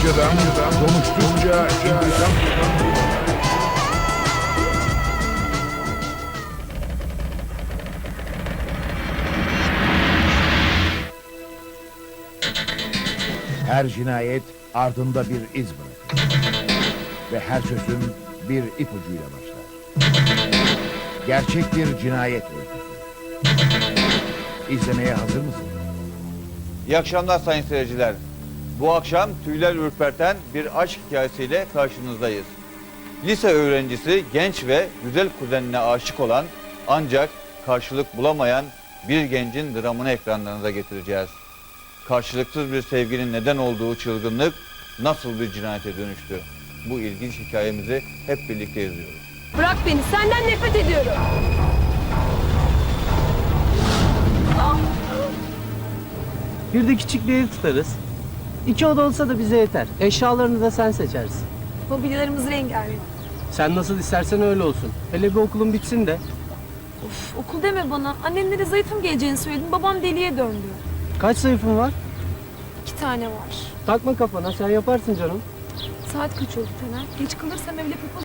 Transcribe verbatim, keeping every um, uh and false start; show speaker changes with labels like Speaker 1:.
Speaker 1: Amcadan konuştukça intikam. Her cinayet ardında bir iz bırakır. Ve her çözüm bir ipucuyla başlar. Gerçek bir cinayet öyküsü. İzlemeye hazır mısın?
Speaker 2: İyi akşamlar sayın seyirciler. Bu akşam tüyler ürperten bir aşk hikayesiyle karşınızdayız. Lise öğrencisi genç ve güzel kuzenine aşık olan ancak karşılık bulamayan bir gencin dramını ekranlarınıza getireceğiz. Karşılıksız bir sevginin neden olduğu çılgınlık nasıl bir cinayete dönüştü? Bu ilginç hikayemizi hep birlikte izliyoruz.
Speaker 3: Bırak beni, senden nefret ediyorum.
Speaker 4: Bir de küçük bir ev tutarız. İki oda olsa da bize yeter. Eşyalarını da sen seçersin.
Speaker 3: Mobilyalarımız rengarenk.
Speaker 4: Sen nasıl istersen öyle olsun. Hele bir okulun bitsin de.
Speaker 3: Of, okul deme bana. Annemlere zayıfım geleceğini söyledim. Babam deliye döndü.
Speaker 4: Kaç sayfın var?
Speaker 3: İki tane var.
Speaker 4: Takma kafana, sen yaparsın canım.
Speaker 3: Saat kaç oldu Taner? Geç kalırsam evle